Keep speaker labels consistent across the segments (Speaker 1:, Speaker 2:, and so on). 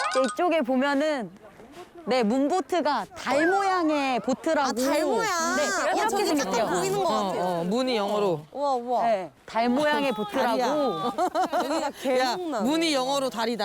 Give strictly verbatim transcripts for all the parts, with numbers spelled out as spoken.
Speaker 1: 이쪽에 보면은 네 문보트가 달 모양의 보트라고.
Speaker 2: 아, 달 모양.
Speaker 1: 네,
Speaker 2: 어,
Speaker 1: 이렇게
Speaker 2: 저기
Speaker 1: 생겼죠.
Speaker 2: 잠깐 보이는 것 같아요.
Speaker 3: 어, 문이 영어로.
Speaker 2: 우와, 우와.
Speaker 1: 네, 달 모양의 보트라고.
Speaker 2: 여기가
Speaker 3: 야,
Speaker 2: 계곡나.
Speaker 3: 문이 영어로 다리다.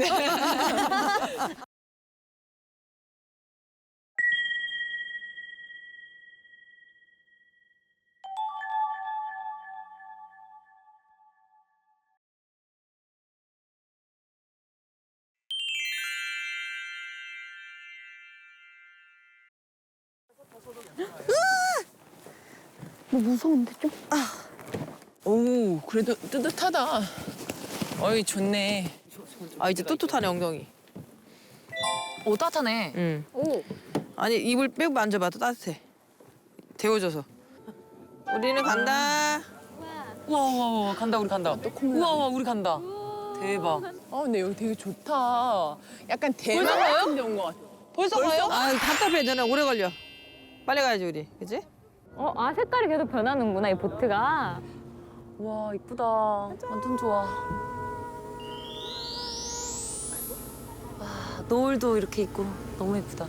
Speaker 1: 뭐 무서운데 좀?
Speaker 4: 오, 그래도 뜨뜻하다. 어이, 좋네.
Speaker 3: 아, 이제 뚜뚜하네, 엉덩이.
Speaker 5: 오, 따뜻하네.
Speaker 3: 응.
Speaker 1: 오.
Speaker 3: 아니, 입을 빼고 만져봐. 또 따뜻해. 데워져서. 우리는 간다.
Speaker 5: 우와, 우와, 우와, 간다, 우리 간다. 우와, 우와, 우리 간다. 대박.
Speaker 4: 어, 근데 여기 되게 좋다. 약간 대만 같은 데 온 것 같아.
Speaker 5: 벌써, 가요?
Speaker 3: 아, 답답해. 너네 오래 걸려. 빨리 가야지, 우리. 그치?
Speaker 6: 어, 아 색깔이 계속 변하는구나 이 보트가.
Speaker 5: 와, 이쁘다. 완전 좋아. 와, 노을도 이렇게 있고 너무 예쁘다.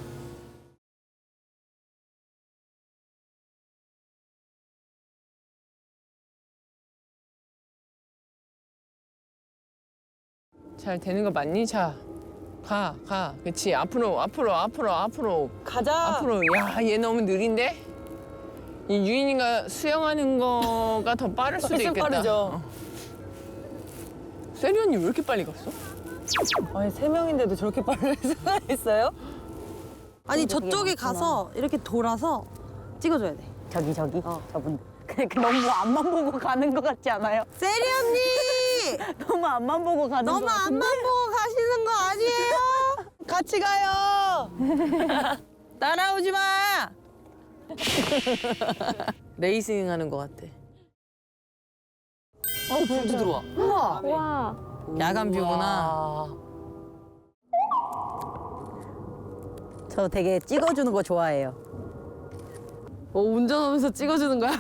Speaker 4: 잘 되는 거 맞니? 자, 가, 가. 그치. 앞으로, 앞으로, 앞으로, 앞으로.
Speaker 3: 가자.
Speaker 4: 앞으로. 야, 얘 너무 느린데? 이 유인이가 수영하는 거가 더 빠를 수도
Speaker 3: 훨씬
Speaker 4: 있겠다.
Speaker 3: 빠르죠.
Speaker 4: 어. 세리 언니 왜 이렇게 빨리 갔어?
Speaker 3: 아니, 세 명인데도 저렇게 빨리 수가 있어요?
Speaker 2: 아니, 저쪽에 가서 이렇게 돌아서 찍어줘야 돼.
Speaker 1: 저기 저기 저분. 그 너무 앞만 보고 가는 것 같지 않아요?
Speaker 2: 세리 언니!
Speaker 1: 너무 앞만 보고 가는 것
Speaker 2: 너무
Speaker 1: 같은데.
Speaker 2: 앞만 보고 가시는 거 아니에요?
Speaker 3: 같이 가요. 따라오지 마. 레이싱 하는 것 같아.
Speaker 5: 어, 불도 들어와. 우와.
Speaker 6: 와.
Speaker 3: 야간 뷰구나.
Speaker 5: 와.
Speaker 1: 저 되게 찍어주는 거 좋아해요.
Speaker 2: 어, 운전하면서 찍어주는 거야?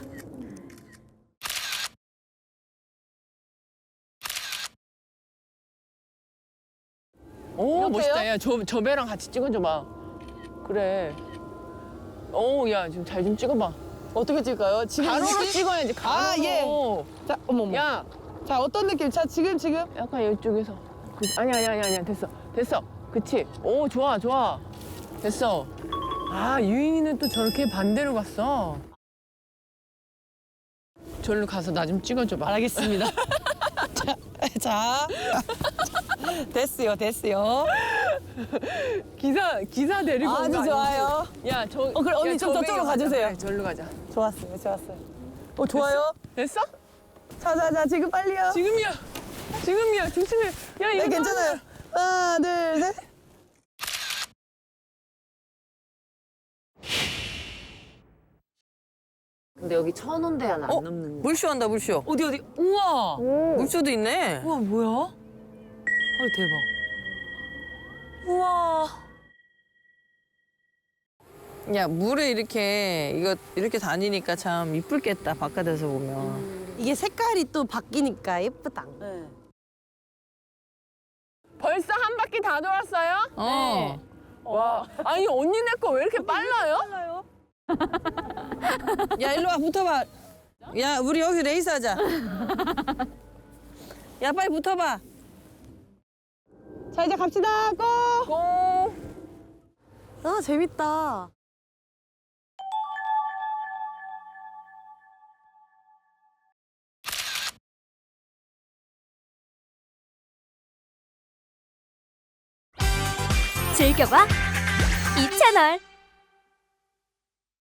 Speaker 4: 오, 멋있다. 야, 저, 저 배랑 같이 찍어줘봐. 그래. 오, 야, 지금 잘 좀 찍어봐.
Speaker 3: 어떻게 찍을까요? 지금
Speaker 4: 가로로 찍어야지, 가로로.
Speaker 3: 아, 예. 자, 어머머.
Speaker 4: 야,
Speaker 3: 자, 어떤 느낌? 자, 지금 지금.
Speaker 4: 약간 이쪽에서. 그, 아니, 아니, 아니, 아니, 됐어. 됐어. 그치? 오, 좋아, 좋아. 됐어. 아, 유인이는 또 저렇게 반대로 갔어. 저리로 가서 나 좀 찍어줘봐.
Speaker 3: 알겠습니다. 자, 자. 됐어요, 됐어요.
Speaker 4: 기사, 기사 데리고 온
Speaker 3: 아주
Speaker 4: 거
Speaker 3: 좋아요.
Speaker 4: 아니지? 야, 저.
Speaker 3: 어, 그래, 언니
Speaker 4: 야,
Speaker 3: 좀
Speaker 4: 저
Speaker 3: 저쪽으로
Speaker 4: 배에
Speaker 3: 가주세요.
Speaker 4: 그래, 저리로 가자.
Speaker 3: 좋았어요, 좋았어요. 어, 좋아요.
Speaker 4: 됐어?
Speaker 3: 자, 자, 자, 지금 빨리요.
Speaker 4: 지금이야. 지금이야. 조심해. 야, 이거.
Speaker 3: 네, 괜찮아요. 하나, 둘, 셋.
Speaker 5: 근데 여기 천 원대야 안
Speaker 3: 어?
Speaker 5: 넘는 거.
Speaker 3: 물쇼 한다, 물쇼.
Speaker 5: 어디, 어디? 우와.
Speaker 3: 물쇼도 있네.
Speaker 5: 우와, 뭐야? 헐, 대박. 우와.
Speaker 3: 야, 물에 이렇게, 이거, 이렇게 다니니까 참 이쁠겠다, 바깥에서 보면.
Speaker 2: 이게 색깔이 또 바뀌니까 예쁘다.
Speaker 4: 벌써 한 바퀴 다 돌았어요?
Speaker 3: 어.
Speaker 4: 와. 아니, 언니네 거 왜 이렇게 빨라요?
Speaker 3: 야, 일로 와, 붙어봐. 야, 우리 여기서 레이스 하자. 야, 빨리 붙어봐. 자, 이제 갑시다, 고!
Speaker 4: 고.
Speaker 2: 아, 재밌다.
Speaker 7: 즐겨봐 이 채널.